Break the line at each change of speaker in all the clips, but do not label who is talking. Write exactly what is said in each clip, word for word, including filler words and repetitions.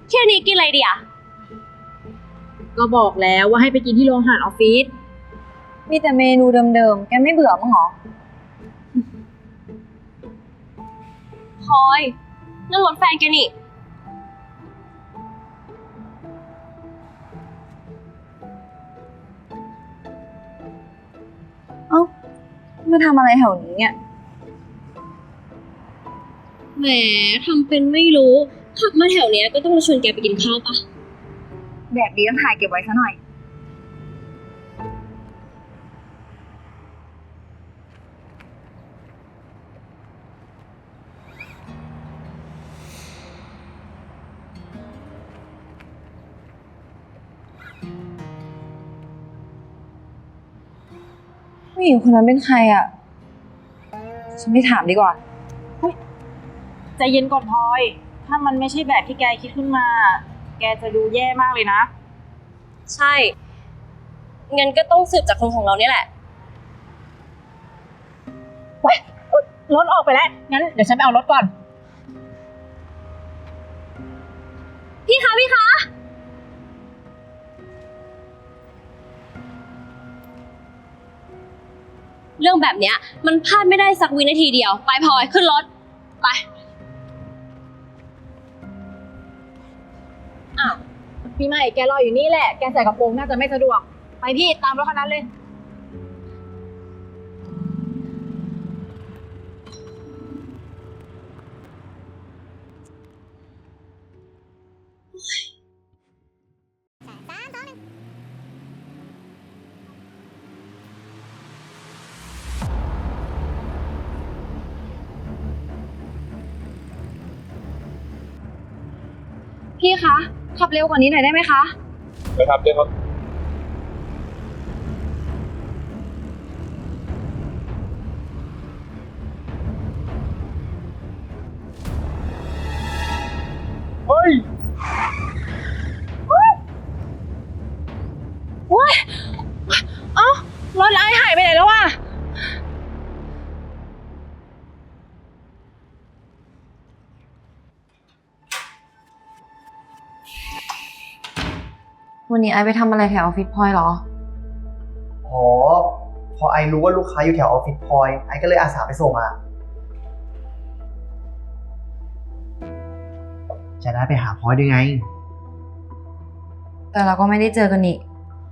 เที่ยงนี้กินอะไรดีอะ
ก็บอกแล้วว่าให้ไปกินที่โรงอาหารออฟฟิศ
มีแต่เมนูเดิมๆแกไม่เบื่อมั้งหรอ
พลอยนั่นรถแฟนแกนี่
เอ้ามาทำอะไรแถวนี้เนี่ย
แหมทำเป็นไม่รู้ขับมาแถวเนี้ยก็ต้องมาชวนแกไปกินข้าวปะ
แบบนี้ต้องถ่ายเก็บไว้ซะหน่อยผู้หญิงคนนั้นเป็นใครอ่ะฉันไม่ถามดีกว่า
ใจเย็นก่อนพลอยถ้ามันไม่ใช่แบบที่แกคิดขึ้นมาแกจะดูแย่มากเลยนะ
ใช่งั้นก็ต้องสืบจากคนของเราเนี่ยแหละ
ว้ายรถออกไปแล้วงั้นเดี๋ยวฉันไปเอารถก่อน
พี่คะพี่คะเรื่องแบบเนี้ยมันพลาดไม่ได้สักวินาทีเดียวไปพลอยขึ้นรถไป
อ้าวพี่ใหม่แกรออยู่นี่แหละแกใส่กระโปรงน่าจะไม่สะดวกไปพี่ตามรถคันนั้นเลย
พี่คะขับเร็วกว่านี้หน่อยได้ไหมคะ
ไปครับเจ๊ครับเฮ้ย
ว้ายเอ้ารถไอ้หายไปไหนแล้ววะ
วันนี้ไอไปทำอะไรแถวออฟฟิศพลอยเหรอ
อ๋อพอไอรู้ว่าลูกค้าอยู่แถวออฟฟิศพลอยไอก็เลยอาสาไปส่งอ่ะจะได้ไปหาพลอยด้วยไง
แต่เราก็ไม่ได้เจอกันอีก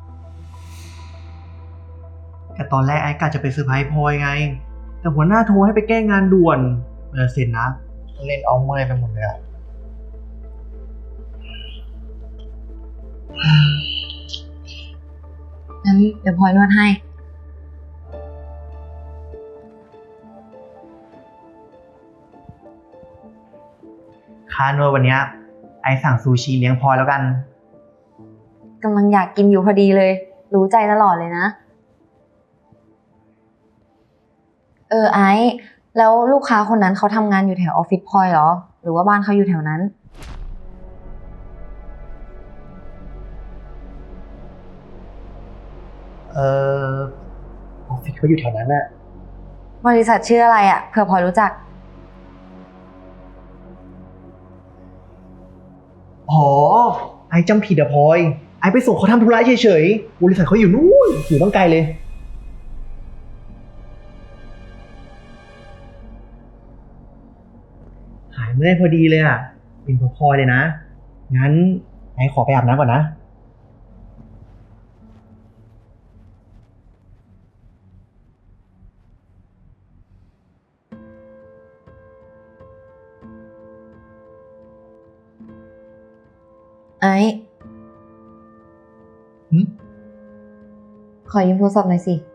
แต่ตอนแรกไอกะจะไปเซอร์ไพรส์พลอยไงแต่หัวหน้าโทรให้ไปแก้งานด่วนเออเซ็นนะเล่นเอาเมื่อยไปหมดเลยอะ
งั้นเดี๋ยวพลอยนวดให้
ค่านวดวันเนี้ยไอสั่งซูชิเลี้ยงพลอยแล้วกัน
กำลังอยากกินอยู่พอดีเลยรู้ใจตลอดเลยนะเออไอซ์แล้วลูกค้าคนนั้นเขาทำงานอยู่แถวออฟฟิศพลอยเหรอหรือว่าบ้านเขาอยู่แถวนั้น
เออออฟฟิศเขาอยู่แถวนั้นน่ะ
บริษัทชื่ออะไรอ่ะเผื่อพลอยรู้จัก
อ๋อไอจำผิดอะพลอยไอไปส่งเขาทำธุระเฉยๆบริษัทเขาอยู่นู่นอยู่ตั้งไกลเลยหายเมื่อยพอดีเลยอ่ะเป็นพอพลอยเลยนะงั้นไอขอไปอาบน้ำก่อนนะ
ไอซ์
หึ
ขอยืมโทรศัพท์หน่อยสิ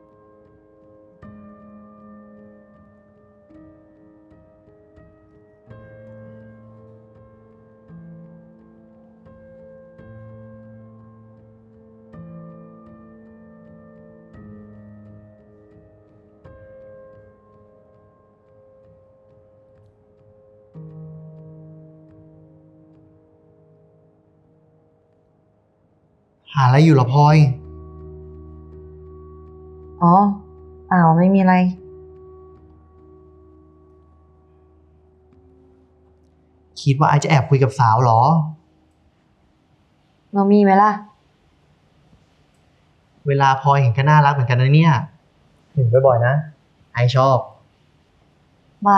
หาอะไรอยู่เหรอพลอย
อ๋อเปล่าไม่มีอะไร
คิดว่าไอจะแอบคุยกับสาวเหรอ
เรามีไหมล่ะ
เวลาพลอยเห็นก็น่ารักเหมือนกันนะเนี่ยเห็นบ่อยๆนะ ไอชอบ
ว่า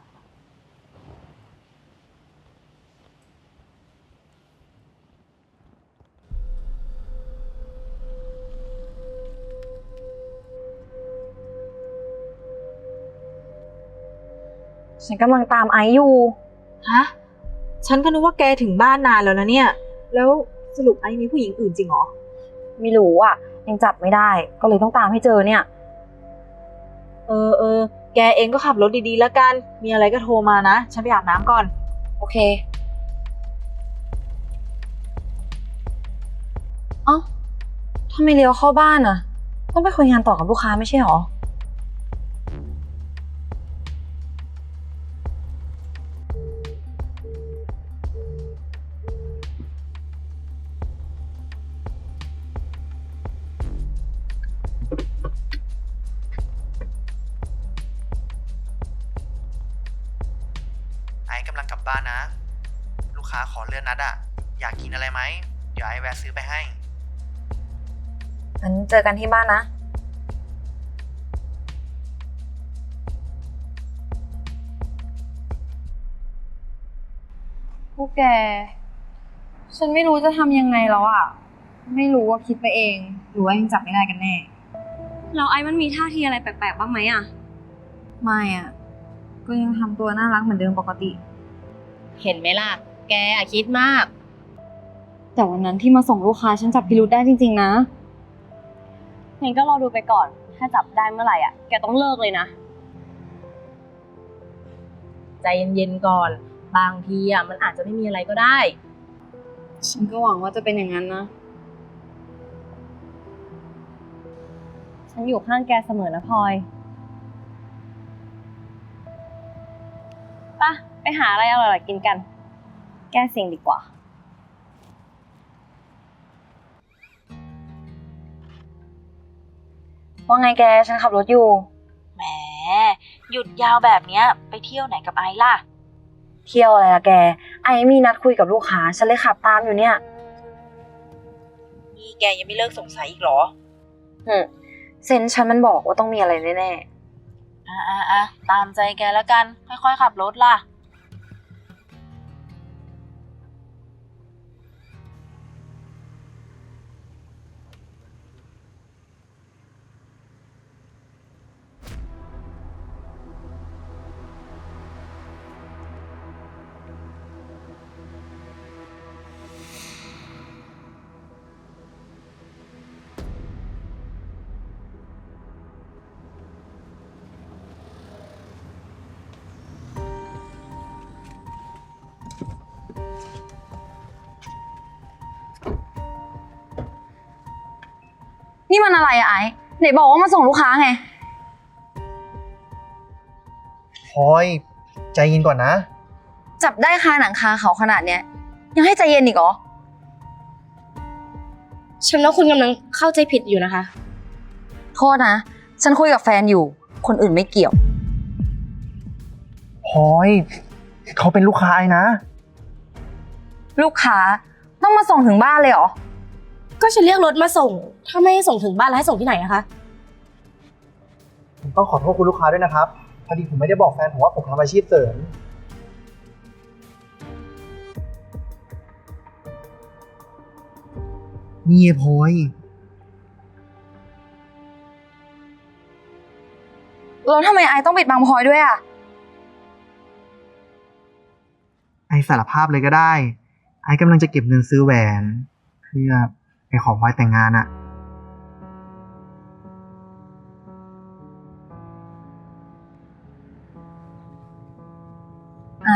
ฉันกำลังตามไอซ์อยู่
ฮะ ฉันก็นึกว่าแกถึงบ้านนานแล้วนะเนี่ย แล้วสรุปไอ้มีผู้หญิงอื่นจริงเหรอ
ไม่รู้อ่ะ ยังจับไม่ได้ ก็เลยต้องตามให้เจอเนี่ย
เออเออ แกเองก็ขับรถดีๆแล้วกัน มีอะไรก็โทรมานะ ฉันไปอาบน้ำก่อน
โอเค เอ้าทำไมเลี้ยวเข้าบ้านอ่ะ ต้องไปคุยงานต่อกับลูกค้าไม่ใช่หรอ
ไอกำลังกลับบ้านนะ ลูกค้าขอเลื่อนนัดอะอยากกินอะไรไหม เดี๋ยวไอแวะซื้อไปให้
งั้นเจอกันที่บ้านนะ พวกแก ฉันไม่รู้จะทำยังไงแล้วอ่ะ ไม่รู้ว่าคิดไปเอง หรือว่ายังจับไม่ได้กันแน่
แล้วไอ้มันมีท่าทีอะไรแปลกๆบ้างไหมอะ
ไม่อ่ะ ก็ยังทำตัวน่ารักเหมือนเดิมปกติ
เห็นไหมล่ะ แกอะคิดมาก
แต่วันนั้นที่มาส่งลูกค้าฉันจับพิรุธได้จริงๆนะ
งั้นก็รอดูไปก่อน ถ้าจับได้เมื่อไหร่อะแกต้องเลิกเลยนะ
ใจเย็นๆก่อน บางทีอ่ะมันอาจจะไม่มีอะไรก็ได้
ฉันก็หวังว่าจะเป็นอย่างนั้นนะ
ฉันอยู่ข้างแกเสมอนะพลอยป่ะ ไปหาอะไรอร่อยๆกินกัน แก้เซ็งดีกว่า
ว่าไงแก ฉันขับรถอยู่
แหม หยุดยาวแบบเนี้ย ไปเที่ยวไหนกับไอซ์ล่ะ
เที่ยวอะไรล่ะแก ไอ้มีนัดคุยกับลูกค้า ฉันเลยขับตามอยู่เนี่ย
นี่แกยังไม่เลิกสงสัยอีกเหรอ
อืมเซนส์ฉันมันบอกว่าต้องมีอะไรแน่
อ่ะอ่ะอ่ะตามใจแกแล้วกัน ค่อยๆขับรถล่ะ
ๆ นี่มันอะไรอะไอ้ไหนบอกว่ามาส่งลูกค้าไง
พลอยใจเย็นก่อนนะ
จับได้คาหนังคาเขาขนาดเนี้ย ยังให้ใจเย็นอีกเหรอ
ฉันว่าคุณกำลังเข้าใจผิดอยู่นะคะ
โทษนะ ฉันคุยกับแฟนอยู่ คนอื่นไม่เกี่ยว
พลอยเขาเป็นลูกค้าไอนะ
ลูกค้าต้องมาส่งถึงบ้านเลยเหรอ
ก็ฉันเรียกรถมาส่ง ถ้าไม่ให้ส่งถึงบ้านแล้วให้ส่งที่ไหนอะคะ
ผมต้องขอโทษคุณลูกค้าด้วยนะครับ พอดีผมไม่ได้บอกแฟนผมว่าผมทำอาชีพเสริม นี่ไงพลอย
แล้วทำไมไอต้องปิดบังพลอยด้วยอะ
ไอสารภาพเลยก็ได้ ไอกำลังจะเก็บเงินซื้อแหวน เพื่อไปขอพลอยแต่งงานอะ
ไอ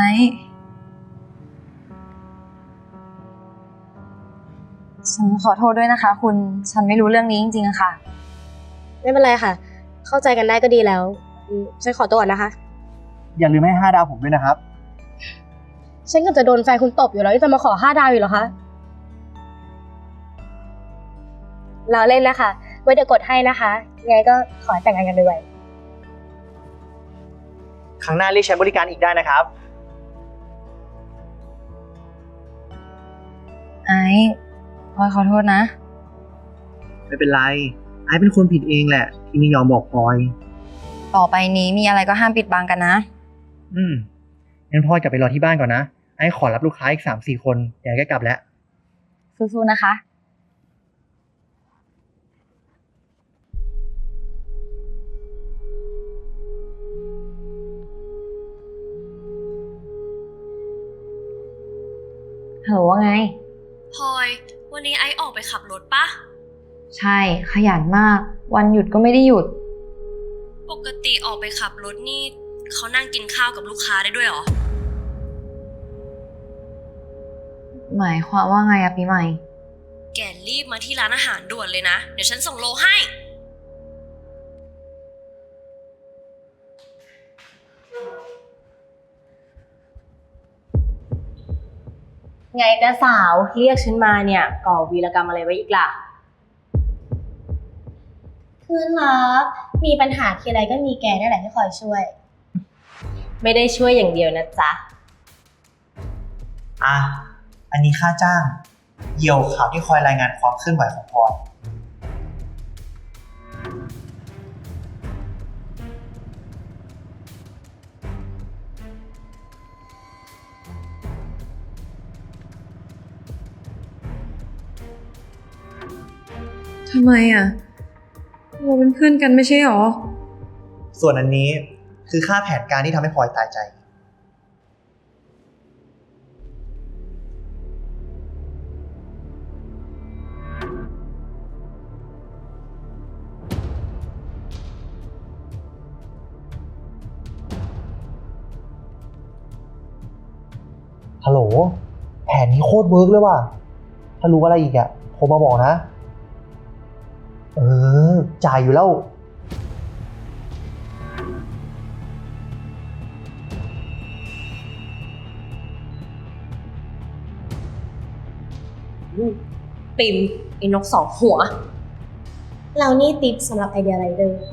ฉันขอโทษด้วยนะคะ คุณ ฉันไม่รู้เรื่องนี้จริงๆอะค่ะ
ไม่เป็นไรค่ะ เข้าใจกันได้ก็ดีแล้วอืมฉันขอตัวก่อนนะคะ
อย่าลืมให้ห้าดาวผมด้วยนะครับ
ฉันก็จะโดนแฟนคุณตบอยู่แล้วจะมาขอห้าดาวอยู่เหรอคะเราเล่นนะคะ ไว้เดี๋ยวกดให้นะคะยังไงก็ขอให้แต่งงานกันด้วย
ครั้งหน้าเรียกใช้บริการอีกได้นะครับ
ไอพลอยขอโทษนะ
ไม่เป็นไร ไอซ์เป็นคนผิดเองแหละ ที่ไม่ยอมบอกพลอย
ต่อไปนี้มีอะไรก็ห้ามปิดบังกันนะ
อืมงั้นพลอยกลับไปรอที่บ้านก่อนนะ ไอซ์ขอรับลูกค้าอีกสามสี่คนเดี๋ยวไอซ์ก็กลับแล้ว
สู้ๆนะคะ ฮัลโหลว่าไง
พลอย วันนี้ไอซ์ออกไปขับรถปะ
ใช่ ขยันมาก วันหยุดก็ไม่ได้หยุด
ปกติออกไปขับรถนี่เขานั่งกินข้าวกับลูกค้าได้ด้วยเหรอ
หมายความว่าไงอะปีใหม่
แกรีบมาที่ร้านอาหารด่วนเลยนะ เดี๋ยวฉันส่งโลให้
ไงกะสาวเรียกฉันมาเนี่ยก่อวีรกรรมอะไรไว้อีกล่ะ
เพื่อนรักมีปัญหาทีไรก็มีแกนี่แหละที่คอยช่วย
ไม่ได้ช่วยอย่างเดียวนะจ๊ะ
อ่ะ อันนี้ค่าจ้าง เยี่ยวข่าวที่คอยรายงานความเคลื่อนไหวของพลอย
ทำไมอ่ะ เราเป็นเพื่อนกันไม่ใช่หรอ
ส่วนอันนี้คือค่าแผนการที่ทำให้พลอยตายใจ ฮัลโหล แผนนี้โคตรเวิร์กเลยว่ะ ถ้ารู้อะไรอีกอะโทรมาบอกนะ เออ จ่ายอยู่แล้ว
ปิมไอ้นกสองหัว
เรานี่ติปสำหรับไอเดียไรเดอร์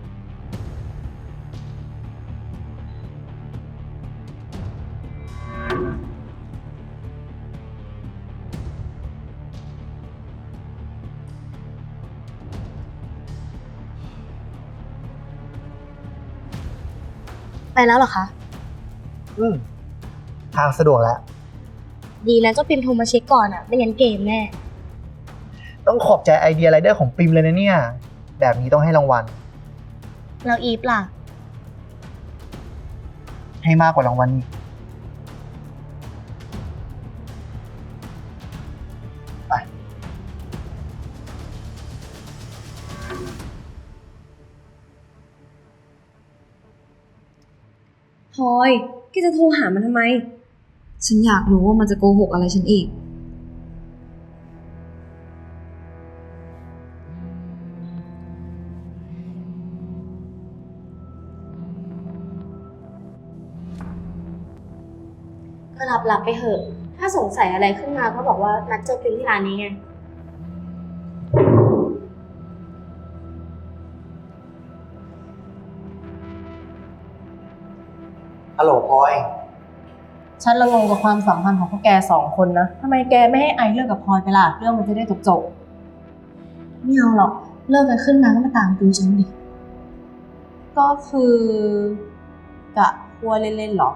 ไปแล้วเหรอคะ
อืม ทางสะดวกแล้ว
ดีแล้วเจ้าปิมโทรมาเช็คก่อนอ่ะ ไม่งั้นเกมแน่
ต้องขอบใจไอเดียไรเดอร์ของปิมเลยนะเนี่ย แบบนี้ต้องให้รางวัล
แล้วอีฟล่ะ
ให้มากกว่ารางวัลอีก ไป
พลอยแกจะโทรหามันทำไม
ฉันอยากรู้ว่ามันจะโกหกอะไรฉันอีก
ก็รับรับไปเถอะ ถ้าสงสัยอะไรขึ้นมาก็บอกว่านัดเจอปิมที่ร้านนี้ไง
ฮัลโหลพลอย
ฉันละงงกับความสัมพันธ์ของพวกแกสองคนนะทำไมแกไม่ให้ไอซ์เลิกกับพลอยไปล่ะ เรื่องมันจะได้จบจบ
ไม่เอาหรอก เลิกกันขึ้นมาก็มาตามดูฉันดิ
ๆก็คือกะพัวเล่นๆหรอ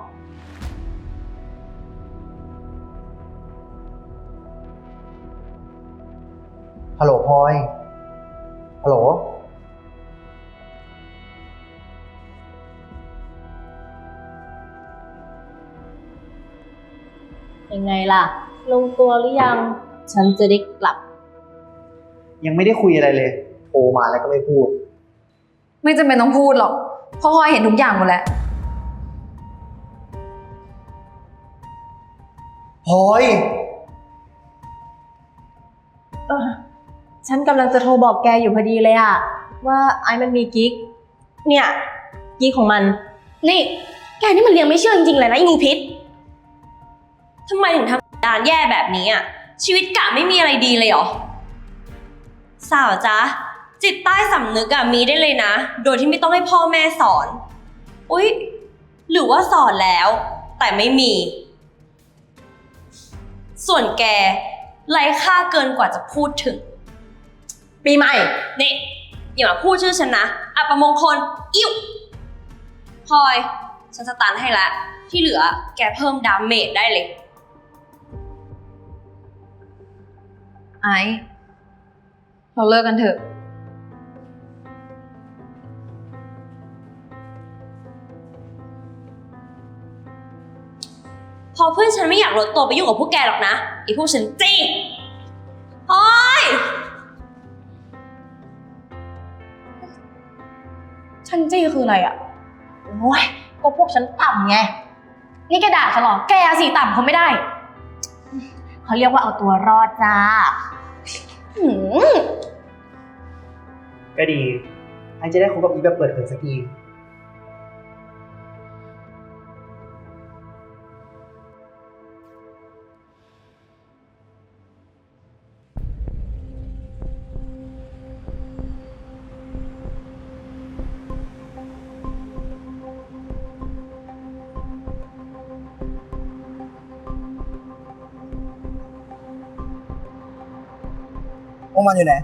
ฮัลโหลพลอย ฮัลโหล
ยังไงล่ะ ลงตัวหรือยัง ฉันจะได้กลับ
ยังไม่ได้คุยอะไรเลย โทรมาแล้วก็ไม่พูด
ไม่จำเป็นต้องพูดหรอก เพราะพลอยเห็นทุกอย่างหมดแล้ว
พลอย
เออฉันกำลังจะโทรบอกแกอยู่พอดีเลยอะว่าไอ้มันมีกิ๊ก เนี่ยกิ๊กของมัน
นี่ แกนี่มันเลี้ยงไม่เชื่อจริงๆเลยนะไอ้งูพิษ
ทำไมถึงทำดานแย่แบบนี้อ่ะ ชีวิตกะไม่มีอะไรดีเลยเหรอ สาวจ๊ะ จิตใต้สำนึกอะมีได้เลยนะ โดยที่ไม่ต้องให้พ่อแม่สอน อุ๊ย หรือว่าสอนแล้ว แต่ไม่มี ส่วนแกไร้ค่าเกินกว่าจะพูดถึง
ปีใหม่
นี่อย่ามาพูดชื่อฉันนะอัปมงคล อิ่วพลอย ฉันสตันให้แล้ว ที่เหลือแกเพิ่มดาเมจได้เลย
ไอซ์เราเลิกกันเถอะ
พอเพื่อนฉันไม่อยากลดตัวไปยุ่งกับพวกแกหรอกนะไอ้พวกฉันจี้พลอย
ฉันจี้คืออะไรอ่ะ โอ้ย ก็พวกฉันต่ำไง นี่แกด่าฉันเหรอ แกสิต่ำเขาไม่ได้ เขาเรียกว่าเอาตัวรอดจ้าหืม
ก็ดี ไอจะได้คบกับอีแบบเปิดเผยสักที
พวกมันอยู่ไหน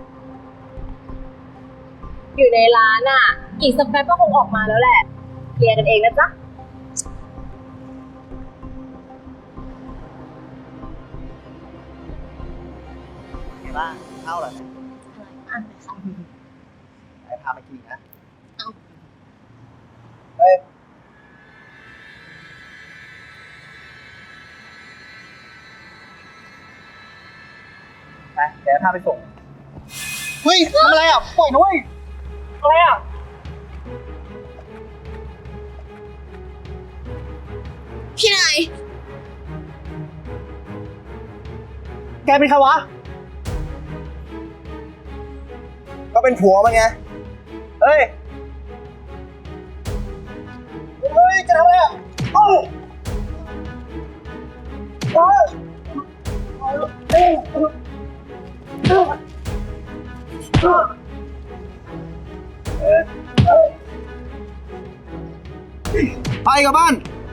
อยู่ในร้านอ่ะ อีกสักแป๊บก็คงออกมาแล้วแหละ เคลียร์กันเองนะจ๊ะ
ไงบ้างข้าวเหรอเนี่ยไอ้พามากินนะเฮ้ย ไป เดี๋ยวพาไปส่ง เฮ้ยทำอะไรอ่ะ ปล่อยนะเว้ยอะไรอ่ะ
พี่นาย
แกเป็นใครวะ ก็เป็นผัวมันไง เฮ้ย เฮ้ย จะทำอะไรอ่ะเอ้ยเอ้ยเอ้ยเอ้ยเอ้ยเอ้ยไปกลับบ้าน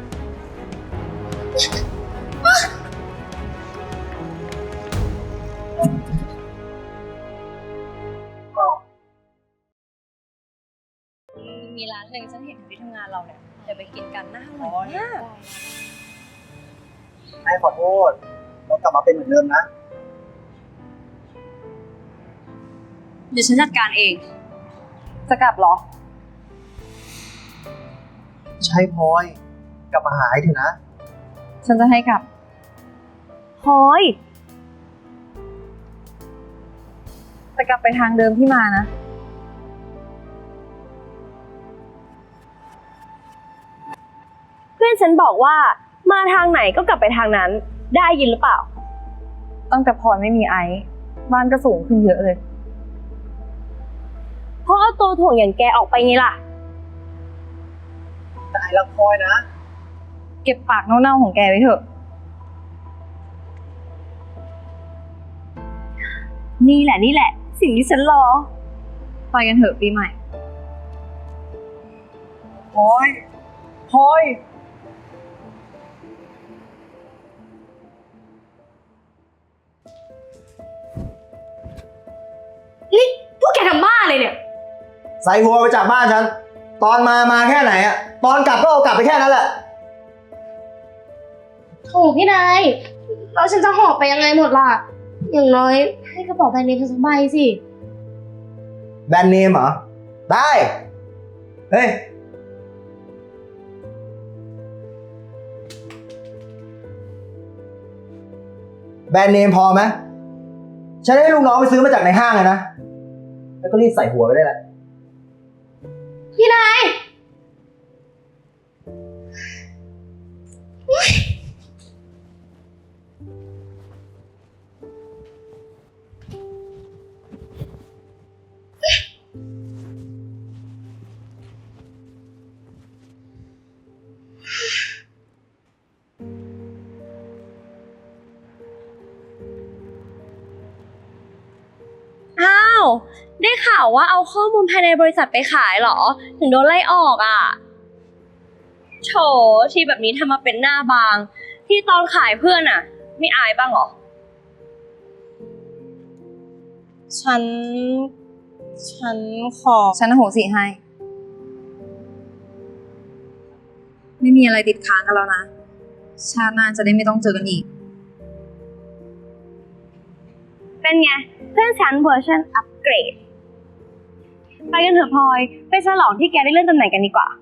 มีร้านหนึ่งฉันเห็นที่ทำงานเราเนี่ยเดี๋ยวไปกินกันน่าอร่อยมาก
ไอ้ขอโทษ เรากลับมาเป็นเหมือนเดิมนะ
เดี๋ยวฉันจัดการเอง
จะกลับเหรอ
ใช่พลอย กลับมาหาไอเถอะนะ
ฉันจะให้กลับ
พลอย
จะกลับไปทางเดิมที่มานะ
เพื่อนฉันบอกว่ามาทางไหนก็กลับไปทางนั้น ได้ยินหรือเปล่า
ตั้งแต่พลอยไม่มีไอซ์บ้านก็สูงขึ้นเยอะเลย
เพราะเอาตัวถ่วงอย่างแกออกไปไงล่ะ
แต่ไอ้รักพลอยนะ
เก็บปากเน่าๆของแกไว้เถอะ
นี่แหละนี่แหละ สิ่งที่ฉันรอ
ไปกันเถอะปีใหม่
พลอยพลอย
นี่พวกแกทำบ้าเลยเนี่ย
ใส่หัวไปจากบ้านฉัน ตอนมามาแค่ไหนอะตอนกลับก็เอากลับไปแค่นั้นแหละ
โถพี่นายแล้วฉันจะหอบไปยังไงหมดล่ะ อย่างน้อยให้กระเป๋าแบรนด์เนมสักใบสิ
แบรนด์เนมเหรอ ได้ เฮ้ย แบรนด์เนมพอไหมฉันให้ลูกน้องไปซื้อมาจากในห้างเลยนะ แล้วก็รีบใส่หัวไปได้แหละ
พี่นาย
อ้าว ได้ข่าวว่าเอาข้อมูลภายในบริษัทไปขายเหรอ ถึงโดนไล่ออกอ่ะโถที่แบบนี้ทำมาเป็นหน้าบาง ที่ตอนขายเพื่อนอ่ะ ไม่อายบ้างเหรอฉัน ฉันขอ
ฉันอโหสิให้ ไม่มีอะไรติดค้างกันแล้วนะ ชาติหน้าจะได้ไม่ต้องเจอกันอีก
เป็นไง เพื่อนฉันเวอร์ชันอัปเกรด ไปกันเถอะพลอย ไปฉลองที่แกได้เลื่อนตำแหน่งกันดีกว่า